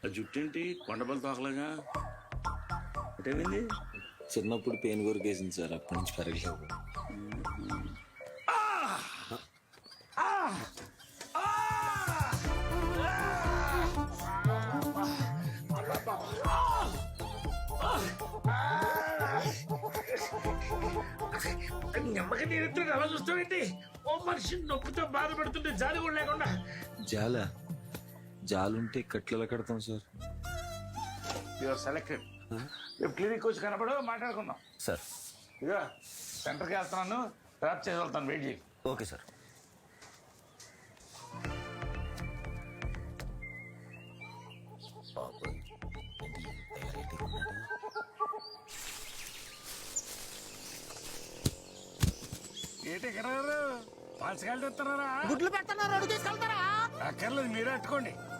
ఆ జుట్టేంటి కొండపల్లి తోకలాగా అటేమైంది? చిన్నప్పుడు pain కొరికేసింది sir, అప్పటి నుంచి పెరగలేదు. నెమ్మకి నేను అలా చూస్తావేంటి? ఓ మనిషి నొప్పితో బాధపడుతుంటే జాలి కూడా లేకుండా. జాలుంటే కట్లలో కడతాం సార్. Your selected. రేపు క్లినిక్ వచ్చి కనపడు, మాట్లాడుకుందాం. సార్ ఇక సెంటర్కి వెళ్తున్నాను, డ్రాప్ చేసి వెళ్తాను, వెయిట్ చేయి. Okay sir. ఏంటి ఎక్కడ పంచకాయలు తెస్తున్నారా? గుడ్లు పెడుతున్నారు, అడుగు తీసుకెళ్తారా? అక్కర్లేదు, మీరే అట్టుకోండి.